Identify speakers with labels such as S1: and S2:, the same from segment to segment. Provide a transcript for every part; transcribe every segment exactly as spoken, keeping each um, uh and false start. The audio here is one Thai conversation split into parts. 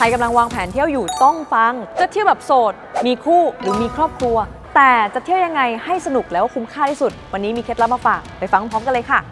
S1: รกำลังวางแผนเที่ยวอยู่ต้องฟังจะเที่ยวแบบโสดมีคู่หรือมีครอบครัวแต่จะเที่ยวยังไงให้สนุกแล้วคุ้มค่าที่สุดวันนี้มีเคล็ดลับมาฝากไปฟังพร้อมกันเลยค่ะ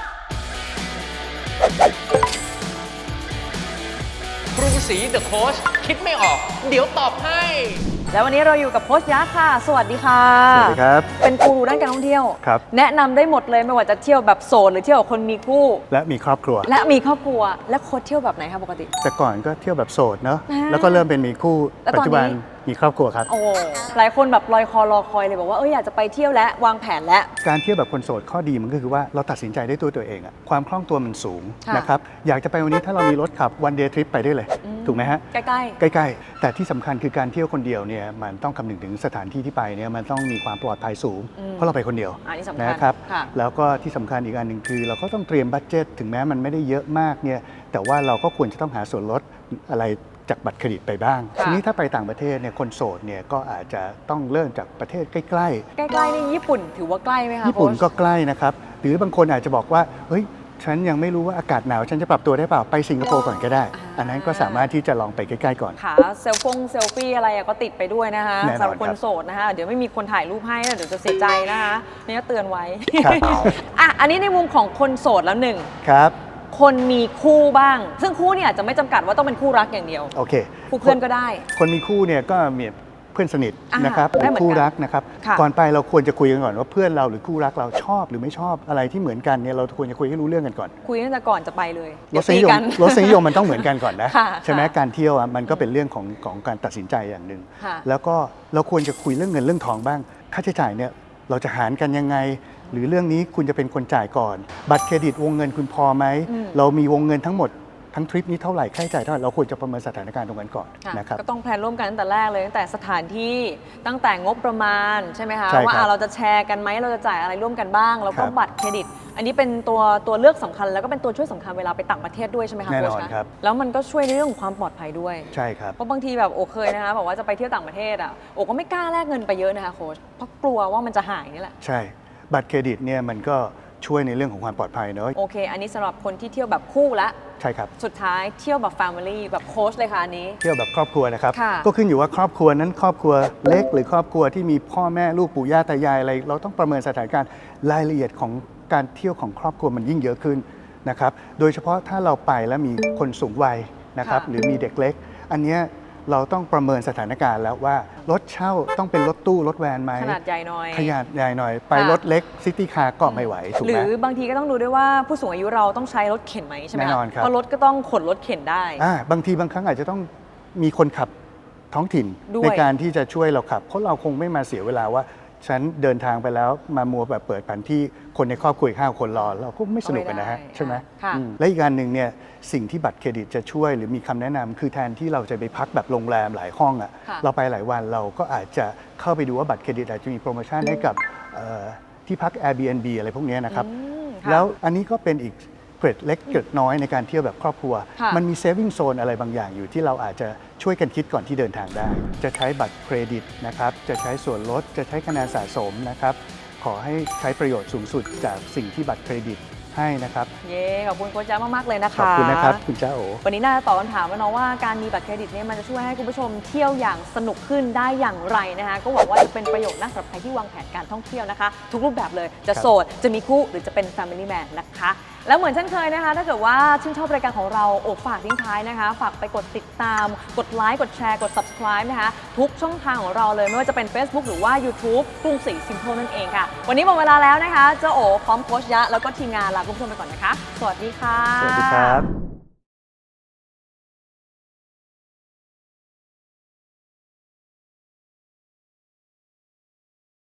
S2: กรุงศรีเดอะโค้ชคิดไม่ออกเดี๋ยวตอบให้
S1: แล้ววันนี้เราอยู่กับโค้ชยักษ์ค่ะสวัสดีค่ะ
S3: สวัสดีครับ
S1: เป็นกูรูด้านการท่องเที่ยว
S3: ครับ
S1: แนะนำได้หมดเลยไม่ว่าจะเที่ยวแบบโสดหรือเที่ยวกับคนมีคู่
S3: และมีครอบครัว
S1: และมีครอบครัวและโค้ชเที่ยวแบบไหนคะปกติ
S3: แต่ก่อนก็เที่ยวแบบโสดเนาะแล้วก็เริ่มเป็นมีคู่ปัจจุบันมีครอบครัวครับ
S1: โอ้หลายคนแบบลอยคอรอคอยเลยบอกว่าเอออยากจะไปเที่ยวและวางแผนและ
S3: การเที่ยวแบบคนโสดข้อดีมันก็คือว่าเราตัดสินใจได้ตัวตัวเองอะความคล่องตัวมันสูงนะครับอยากจะไปวันนี้ถ้าเรามีรถขับวันเดย์ทริปไปได้เลยถูกไหมฮะ
S1: ใกล้
S3: ๆใกล้ๆแต่ที่สำคัญคือการเที่ยวคนเดียวเนี่ยมันต้องคำนึงถึงสถานที่ที่ไปเนี่ยมันต้องมีความปลอดภัยสูงเพราะเราไปคนเดียวนะครับแล้วก็ที่สำคัญอีกอันหนึ่งคือเราก็ต้องเตรียมบัดเจ็ตถึงแม้มันไม่ได้เยอะมากเนี่ยแต่ว่าเราก็ควรจะต้องหาส่วนลดอะไรจากบัตรเครดิตไปบ้างทีนี้ถ้าไปต่างประเทศเนี่ยคนโสดเนี่ยก็อาจจะต้องเริ่มจากประเทศใกล้ๆใ
S1: กล้ๆนี่ญี่ปุ่นถือว่าใกล้ไหมคะ
S3: ญี่ปุ่นก็ใกล้นะครับหรือบางคนอาจจะบอกว่าเฮ้ยฉันยังไม่รู้ว่าอากาศหนาวฉันจะปรับตัวได้เปล่าไปสิงคโปร์ก่อนก็ได้อันนั้นก็สามารถที่จะลองไปใกล้ๆก่อน
S1: ค่ะเซลฟงเซลฟี่อะไรก็ติดไปด้วยนะคะสำหรับคนโสดนะคะเดี๋ยวไม่มีคนถ่ายรูปให้เดี๋ยวจะเสียใจนะคะนี่ก็เตือนไว้อ่ะอันนี้ในมุมของคนโสดแล้วหนึ่ง
S3: ครับ
S1: คนมีคู่บ้างซึ่งคู่เนี่ยอาจจะไม่จำกัดว่าต้องเป็นคู่รักอย่างเดียว
S3: โอเค
S1: คู่เพื่อนก็ได้
S3: คนมีคู่เนี่ยก็มีเพื่อนสนิทนะครับหรือคู่รักนะครับก่อนไปเราควรจะคุยกันก่อนว่าเพื่อนเราหรือคู่รักเราชอบหรือไม่ชอบอะไรที่เหมือนกันเนี่ยเราควรจะคุยให้รู้เรื่องกันก่อน
S1: คุยตั้งแต่ก่อนจะไปเลย
S3: รสนิยมรสนิยมมันต้องเหมือนกันก่อนนะใช่ไหมการเที่ยวมันก็เป็นเรื่องของของการตัดสินใจอย่างหนึ่งแล้วก็เราควรจะคุยเรื่องเงินเรื่องทองบ้างค่าใช้จ่ายเนี่ยเราจะหารกันยังไงหรือเรื่องนี้คุณจะเป็นคนจ่ายก่อนบัตรเครดิตวงเงินคุณพอไหมเรามีวงเงินทั้งหมดทั้งทริปนี้เท่าไหร่ค่าใช้จ่ายเท่าไหร่เราควรจะประเมินสถานการณ์ตรงนั้นก่อนนะครับ
S1: ก็ต้องแพลนร่วมกันตั้งแต่แรกเลยตั้งแต่สถานที่ตั้งแต่งบประมาณใช่ไหมคะว่าเราจะแชร์กันไหมเราจะจ่ายอะไรร่วมกันบ้างแล้วก็บัตรเครดิตอันนี้เป็นตัวตัวเลือกสำคัญแล้วก็เป็นตัวช่วยสำคัญเวลาไปต่างประเทศด้วยใช่ไหมคะ
S3: แน่นอนครับ
S1: แล้วมันก็ช่วยในเรื่องของความปลอดภัยด้วย
S3: ใช่ครับ
S1: เพราะบางทีแบบโอเคยนะคะบอกว่าจะไปเที่ยวต่างประเทศอ่ะโอก็ไม่กล้าแลกเงินไปเยอะนะคะโค้ชเพราะกลัวว่ามันจะหายนี่แหละ
S3: ใช่บัตรเครดิตเนี่ยมันก็ช่วยในเรื่องของความปลอดภัยเนอะ
S1: โอเคอันนี้สำหรับคนที่เที่ยวแบบคู่ละ
S3: ใช่ครับ
S1: สุดท้ายเที่ยวแบบแฟมิลี่แบบโค้ชเลยค่ะอันนี้
S3: เที่ยวแบบครอบครัวนะครับก็ขึ้นอยู่ว่าครอบครัวนั้นครอบครัวเล็กหรือครอบครัวที่มีพ่อแม่ลูกปู่ย่าตายายอะไรเราต้องประเมินสถานการณ์รายละเอียดของการเที่ยวของครอบครัวมันยิ่งเยอะขึ้นนะครับโดยเฉพาะถ้าเราไปแล้วมีคนสูงวัยนะครับหรือมีเด็กเล็กอันนี้เราต้องประเมินสถานการณ์แล้วว่ารถเช่าต้องเป็นรถตู้รถแวนไหม
S1: ขนาดใหญ่หน่อย
S3: ขนาดใหญ่หน่อยไปรถเล็กซิตี้คาร์ก็ไม่ไหวถูกไหม
S1: หรือบางทีก็ต้องดูด้วยว่าผู้สูงอายุเราต้องใช้รถเข็นไหมใช่ไหม
S3: แน่นอนครับ
S1: เพราะรถก็ต้องขนรถเข็นได้
S3: อ่าบางทีบางครั้งอาจจะต้องมีคนขับท้องถิ่นในการที่จะช่วยเราขับเพราะเราคงไม่มาเสียเวลาว่าฉันเดินทางไปแล้วมามัวแบบเปิดแผนที่คนในครอบครัวอีกห้าคนรอเราก็ไม่สนุกกันนะฮะใช่ไหมและอีกการหนึ่งเนี่ยสิ่งที่บัตรเครดิตจะช่วยหรือมีคำแนะนำคือแทนที่เราจะไปพักแบบโรงแรมหลายห้องอ่ะเราไปหลายวันเราก็อาจจะเข้าไปดูว่าบัตรเครดิตอาจจะมีโปรโมชั่นให้กับที่พัก Airbnb อะไรพวกนี้นะครับแล้วอันนี้ก็เป็นอีกเกร็ดเล็กเกร็ดน้อยในการเที่ยวแบบครอบครัวมันมีเซฟวิ่งโซนอะไรบางอย่างอยู่ที่เราอาจจะช่วยกันคิดก่อนที่เดินทางได้จะใช้บัตรเครดิตนะครับจะใช้ส่วนลดจะใช้คะแนนสะสมนะครับขอให้ใช้ประโยชน์สูงสุดจากสิ่งที่บัตรเครดิตให้นะครับ
S1: เย้ขอบคุณโค้ชจ้ามากๆเลยนะคะ
S3: ขอบคุณนะครับคุณจ้าโอ
S1: วันนี้น่าจะตอบคำถามว่าน้องว่าการมีบัตรเครดิตเนี่ยมันจะช่วยให้คุณผู้ชมเที่ยวอย่างสนุกขึ้นได้อย่างไรนะคะก็หวังว่าจะเป็นประโยชน์นะสำหรับใครที่วางแผนการท่องเที่ยวนะคะทุกรูปแบบเลยจะโสดจะมีคู่หรือจะเป็น Family Man นะคะแล้วเหมือนเช่นเคยนะคะถ้าเกิดว่าชื่นชอบรายการของเราโอ้ฝากทิ้งท้ายนะคะฝากไปกดติดตามกดไลค์กดแชร์กด Subscribe นะคะทุกช่องทางของเราเลยไม่ว่าจะเป็น Facebook หรือว่า YouTube กรุงศรี Simple นั่นเองค่ะวันนี้หมดเวลาแล้วนะคะเจ้าโอพร้อมโค้ชยะแล้วก็ทีมงานลาคุณผู้ชมไปก่อนนะคะสวัสดีค่ะ
S3: สวัสดีครับ